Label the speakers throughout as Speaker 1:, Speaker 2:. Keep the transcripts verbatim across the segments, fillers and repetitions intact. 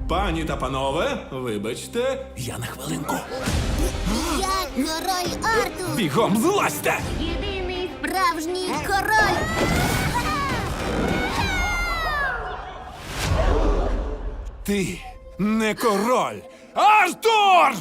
Speaker 1: Пані та панове, вибачте, я на хвилинку.
Speaker 2: Я король Артур!
Speaker 1: Бігом злазьте!
Speaker 2: Єдиний справжній король!
Speaker 1: Ти не король! Артур!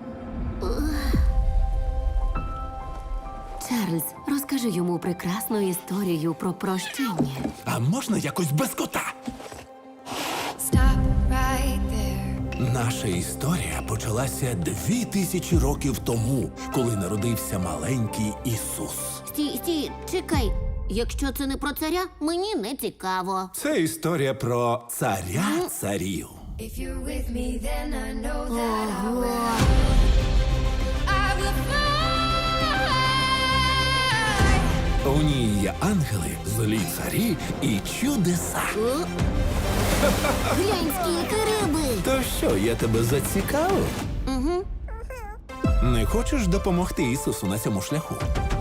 Speaker 3: Чарльз, розкажи йому прекрасну історію про прощення.
Speaker 1: А можна якось без кота?
Speaker 4: Stop right there.
Speaker 1: Наша історія почалася дві тисячі років тому, коли народився маленький Ісус.
Speaker 2: Стій, стій, чекай. Якщо це не про царя, мені не цікаво.
Speaker 1: Це історія про царя царів.
Speaker 4: If you're with me, then I know that I
Speaker 2: Ого.
Speaker 4: will. I will fly.
Speaker 1: У ній є ангели, злі царі і чудеса.
Speaker 2: О? Глянь, скільки риби!
Speaker 1: То що, я тебе зацікавив?
Speaker 2: Угу.
Speaker 1: Не хочеш допомогти Ісусу на цьому шляху?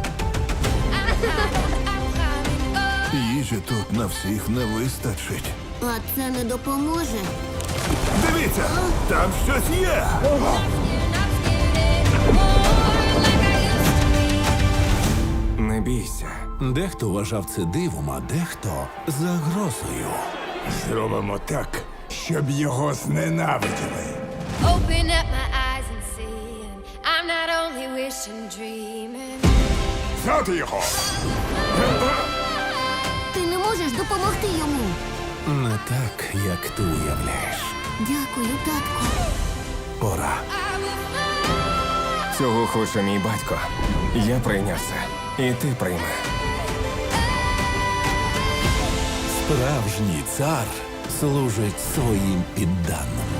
Speaker 5: Їжі тут на всіх не вистачить.
Speaker 2: А це не допоможе.
Speaker 5: Дивіться, там щось є.
Speaker 6: Не бійся.
Speaker 1: Дехто вважав це дивом, а дехто загрозою.
Speaker 5: Зробимо так, щоб його зненавиділи.
Speaker 4: Open up my eyes and see. And I'm not only wishing, dreaming.
Speaker 5: Взяти його!
Speaker 2: Ти не можеш допомогти йому.
Speaker 1: Не так, як ти уявляєш.
Speaker 2: Дякую, татку.
Speaker 1: Пора.
Speaker 6: Цього хоче мій батько. Я прийняв це. І ти прийми.
Speaker 1: Справжній цар служить своїм підданим.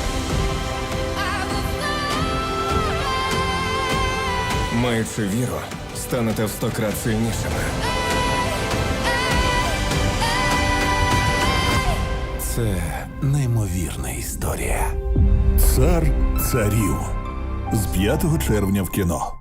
Speaker 6: Маючи віру, станете в сто крат сильнішими.
Speaker 1: Це неймовірна історія.
Speaker 5: Цар царів з п'ятого червня в кіно.